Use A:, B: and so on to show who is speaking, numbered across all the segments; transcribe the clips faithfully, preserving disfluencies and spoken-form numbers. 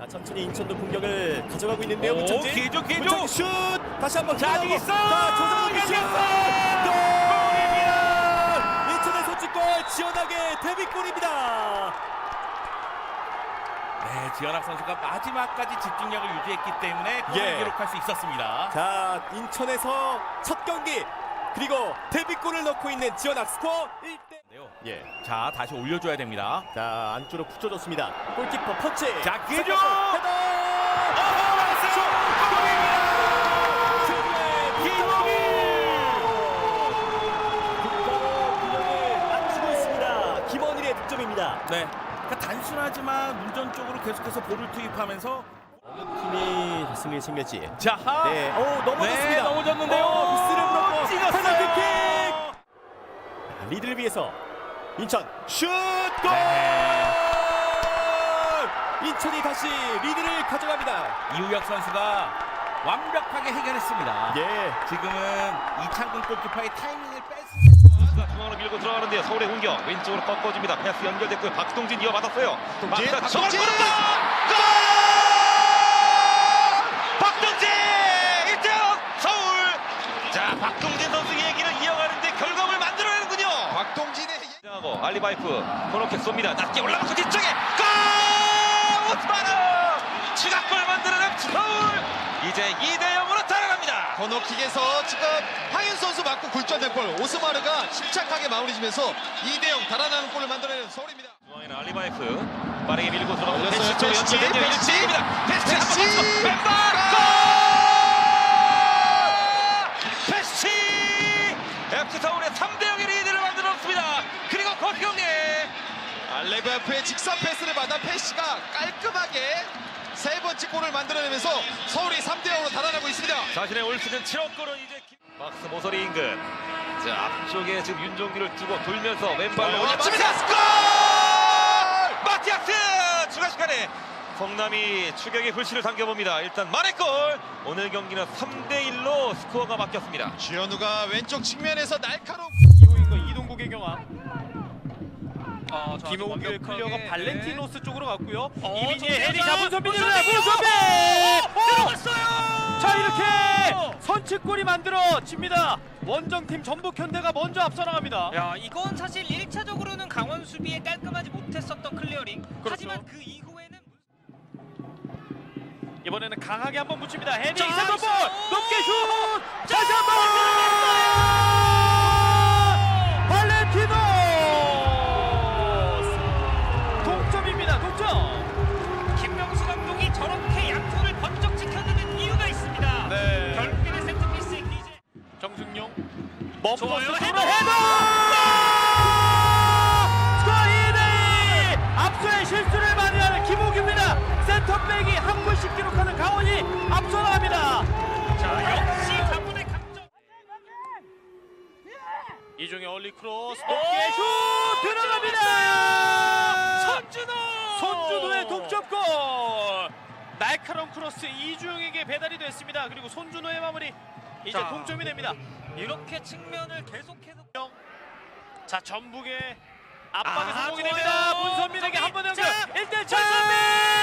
A: 자, 천천히 인천도 공격을 가져가고 있는데요.
B: 오,
A: 문천진.
B: 기회죠, 기회죠.
A: 문천진 슛. 다시 한번
B: 자,
A: 기회하고.
B: 있어.
A: 자, 조성욱의 슛. 골입니다. 인천의 선취골 지원하게 데뷔골입니다.
B: 네, 지현학 선수가 마지막까지 집중력을 유지했기 때문에 골을
A: 예.
B: 기록할 수 있었습니다.
A: 자, 인천에서 첫 경기 그리고 데뷔골을 넣고 있는 지원학 스코어 일 대. 예.
B: 자, 다시 올려줘야 됩니다.
A: 자, 안쪽으로 붙여줬습니다. 골키퍼 터치.
B: 자, 기회죠.
A: 헤더. 김원일의 득점입니다.
B: 네, 그러니까 단순하지만 문전 쪽으로 계속해서 볼을 투입하면서
A: 어느 팀이 승리를 챙겼지.
B: 자,
A: 네, 오 넘어졌습니다.
B: 네, 넘어졌는데요.
A: 오, 미스를 물었고
B: 찍었어요.
A: 페널티킥. 리드를 위해서 인천 슛 골!
B: 네.
A: 인천이 다시 리드를 가져갑니다.
B: 이우혁 선수가 완벽하게 해결했습니다.
A: 예.
B: 지금은 이창근 골키퍼의 타이밍을 뺐습니다.
C: 선수가 중앙으로 밀고 들어가는데요. 서울의 공격 왼쪽으로 꺾어줍니다. 패스 연결됐고요. 박동진 이어받았어요.
D: 박동진,
C: 막다
D: 박동진!
C: 저걸 골! 박동진! 일 대 영 서울! 자, 박동진 선수 얘기를 이어가는데 결과물 만들어내는군요.
D: 박동진의
C: 하고 알리바이프 코너킥 쏩니다. 낮게 올라가서 뒤쪽에 골! 오스마르! 추가골 만들어낸 서울! 이제 이 대 영으로 달아납니다.
D: 코너킥에서 지금 황현 선수 맞고 굴절된 골 오스마르가 침착하게 마무리 지면서 이 대 영 달아나는 골을 만들어내는 서울입니다.
C: 중앙에는 알리바이프 빠르게 밀고 들어가고
D: 올렸어요.
C: 패스 쪽으로
D: 패스치,
C: 연결됐네요.
D: 패스치.
C: 일대일입니다. 패스치 한번
D: 패스치.
C: 맞춰 왼발 골! 패스치! 에프씨 서울의 삼 대 영의 리드를 만들었습니다. 그리고 거기경례
D: 알레바프의 직선 패스를 받아 페시가 깔끔하게 세 번째 골을 만들어내면서 서울이 삼 대 영으로 달아나고 있습니다.
C: 자신의 올 시즌 칠억 골은 이제 김... 박스 모서리 인근 자 앞쪽에 지금 윤종규를 두고 돌면서 왼발로
D: 어,
C: 올려칩니다.
D: 마티아스
C: 골! 마티아스 추가 시간에 성남이 추격의 불씨를 당겨봅니다. 일단 만회골 오늘 경기는 삼 대 일로 스코어가 바뀌었습니다.
D: 주현우가 왼쪽 측면에서 날카로운
E: 이호인과 이동국의 경합.
F: 아,
E: 김호규의 클리어가 발렌티노스 쪽으로 갔고요.
F: 어,
E: 이민희의 헤딩
F: 정세현!
E: 문선민입니다.
F: 문선민!
E: 문선민!
F: 들어갔어요.
E: 자, 이렇게 선취골이 만들어집니다. 원정팀 전북현대가 먼저 앞서 나갑니다.
F: 야, 이건 사실 일 차적으로는 강원 수비에 깔끔하지 못했었던 클리어링.
E: 그렇죠.
F: 하지만 그 이후에는
E: 이번에는 강하게 한번 붙입니다. 헤딩
F: 자,
E: 이상한 볼!
F: 슛!
E: 높게 슛!
F: 자,
E: 다시 한번! 발렌티노스! 동점입니다. 동점!
F: 김명수 감독이 저렇게 양손을 번쩍 지켜드는 이유가 있습니다.
E: 네.
F: 결국에는 세트피스의 기재.
E: 정승용
F: 좋아요.
E: 멈버스
F: 헤더!
E: 헤더! 헤더! 스코어 이 대 이! 앞서의 실수를 많이 하는 김호규입니다. 센터백이 한 골씩 기록하는 강원이 앞서 나갑니다.
F: 자, 역시 가문의 강점.
E: 이종의 얼리 크로스
F: 오!
E: 높게 슛 들어갑니다.
F: 손준호!
E: 손준호의 동점골. 날카로운 크로스 이주영에게 배달이 됐습니다. 그리고 손준호의 마무리. 이제
F: 자.
E: 동점이 됩니다.
F: 이렇게 측면을 계속해서
E: 자, 전북의 압박에
F: 아,
E: 성공이
F: 좋아요.
E: 됩니다. 문선민에게 한 번 연결.
F: 자,
E: 일 대 일 차.
F: 문선민!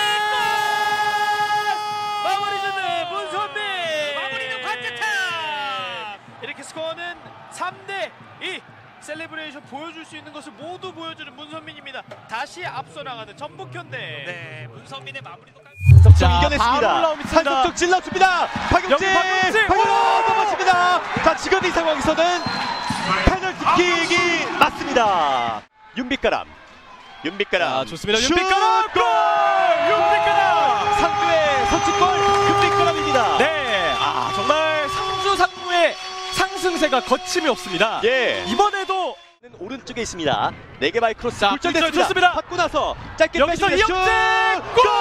E: 마무리 짓는 문선민.
F: 마무리는 반대탑!
E: 이렇게 스코어는 삼 대 이. 셀레브레이션 보여줄 수 있는 것을 모두 보여주는 문선민입니다. 다시 앞서 나가는 전북현대.
F: 네, 문선민의 마무리도 깔
A: 자, 이겨냈습니다. 한석적 찔러줍니다. 박용진,
E: 여기 박용진!
A: 박용진 넘어집니다. 자, 지금 이 상황에서는 페널티킥이 맞습니다. 윤빛가람, 윤빛가람.
E: 아, 좋습니다.
A: 슛!
E: 윤빛가람!
A: 골! 윤빛가람! 상주의 선취골 윤빛가람입니다.
G: 네, 아 정말 상주 상무의 상승세가 거침이 없습니다.
A: 예.
G: 이번에도
A: 오른쪽에 있습니다. 네 개 바이 크로스
G: 자,
A: 굴절됐습니다.
G: 굴절 좋습니다.
A: 받고 나서 짧게
G: 여기서
A: 빼줍니다.
G: 이영재!
A: 슛! 골!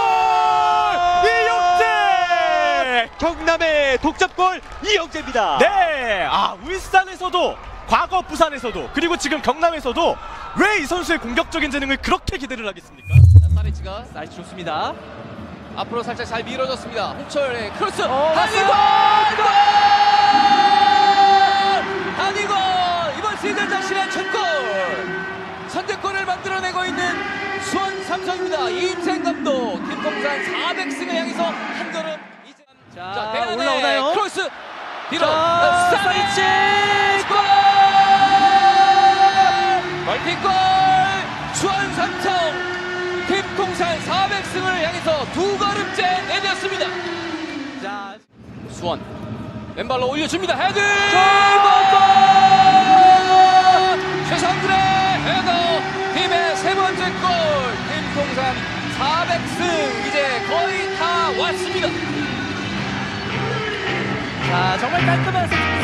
A: 이영재! 경남의 독점골 이영재입니다.
G: 네, 아 울산에서도 과거 부산에서도 그리고 지금 경남에서도 왜 이 선수의 공격적인 재능을 그렇게 기대를 하겠습니까?
H: 사리치가 나이스 좋습니다. 앞으로 살짝 잘 밀어줬습니다. 홍철의 크로스.
G: 어,
H: 한이건! 골! 한이건! 이번 시즌 자신의 첫 골! 선제골을 만들어내고 있는 수원 삼성입니다. 이인생 감독 김풍산 사백 승을 향해서 한 걸음 이제 자,
G: 자,
H: 대안에
G: 올라오나요?
H: 크로스 뒤로
G: 자,
H: 사이치 골! 멀티골 수원 삼성 김풍산 사백 승을 향해서 두 걸음째 내렸습니다.
G: 자,
H: 수원 왼발로 올려줍니다. 헤드! 최상준의 헤더 팀의 세 번째 골. 김풍산 사백 승 이제 거의 다 왔습니다.
G: 자, 정말 깔끔한